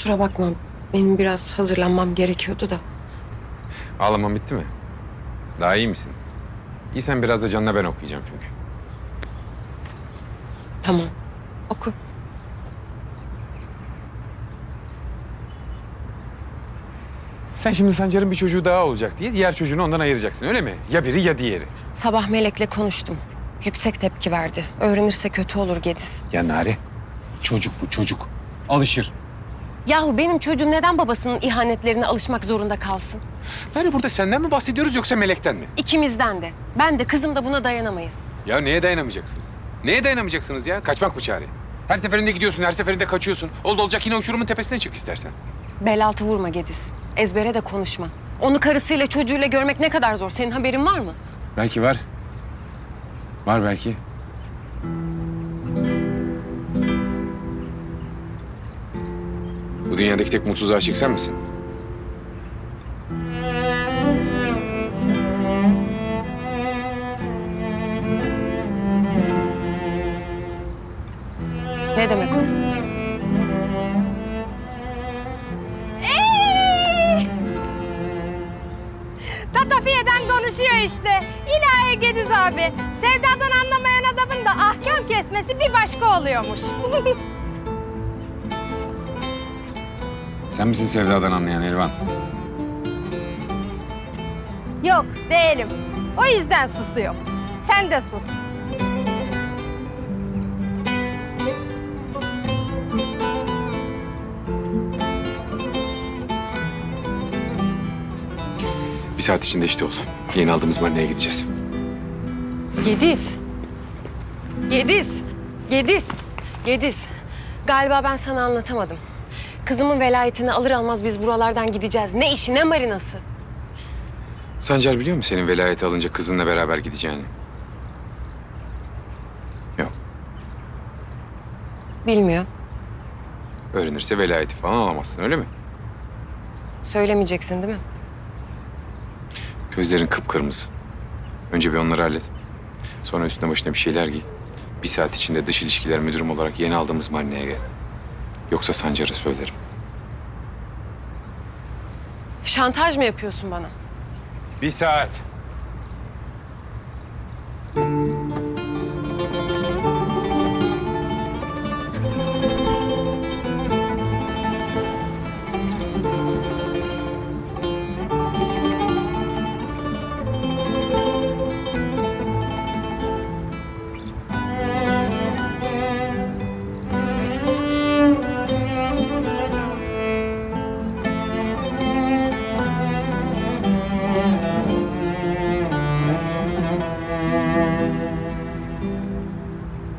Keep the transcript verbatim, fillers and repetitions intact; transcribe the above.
Kusura bakma. Benim biraz hazırlanmam gerekiyordu da. Ağlaman bitti mi? Daha iyi misin? İyi, sen biraz da canına ben okuyacağım çünkü. Tamam. Oku. Sen şimdi Sancar'ın bir çocuğu daha olacak diye diğer çocuğunu ondan ayıracaksın, öyle mi? Ya biri ya diğeri. Sabah Melek'le konuştum. Yüksek tepki verdi. Öğrenirse kötü olur Gediz. Ya Nare, çocuk bu çocuk. Alışır. Yahu benim çocuğum neden babasının ihanetlerine alışmak zorunda kalsın? Nare, burada senden mi bahsediyoruz yoksa Melek'ten mi? İkimizden de. Ben de kızım da buna dayanamayız. Ya neye dayanamayacaksınız? Neye dayanamayacaksınız ya? Kaçmak mı çare? Her seferinde gidiyorsun, her seferinde kaçıyorsun. Oldu olacak yine uçurumun tepesine çık istersen. Bel altı vurma Gediz. Ezbere de konuşma. Onu karısıyla çocuğuyla görmek ne kadar zor. Senin haberin var mı? Belki var. Var belki. Bu dünyadaki tek mutsuz aşık sen misin? Ne demek o? Tatafiye'den konuşuyor işte. İlahi Gediz abi. Sevdadan anlamayan adamın da ahkam kesmesi bir başka oluyormuş. Sen misin sevdadan anlayan Elvan? Yok değilim. O yüzden susuyor. Sen de sus. Bir saat içinde işte ol. Yeni aldığımız marineye gideceğiz. Gediz. Gediz. Gediz. Gediz. Galiba ben sana anlatamadım. Kızımın velayetini alır almaz biz buralardan gideceğiz. Ne işi ne marinası. Sancar biliyor mu senin velayeti alınca kızınla beraber gideceğini? Yok. Bilmiyor. Öğrenirse velayeti falan alamazsın, öyle mi? Söylemeyeceksin değil mi? Gözlerin kıpkırmızı. Önce bir onları hallet. Sonra üstüne başına bir şeyler giy. Bir saat içinde dış ilişkiler müdürüm olarak yeni aldığımız marineye gel. Yoksa Sancar'a söylerim. Şantaj mı yapıyorsun bana? Bir saat.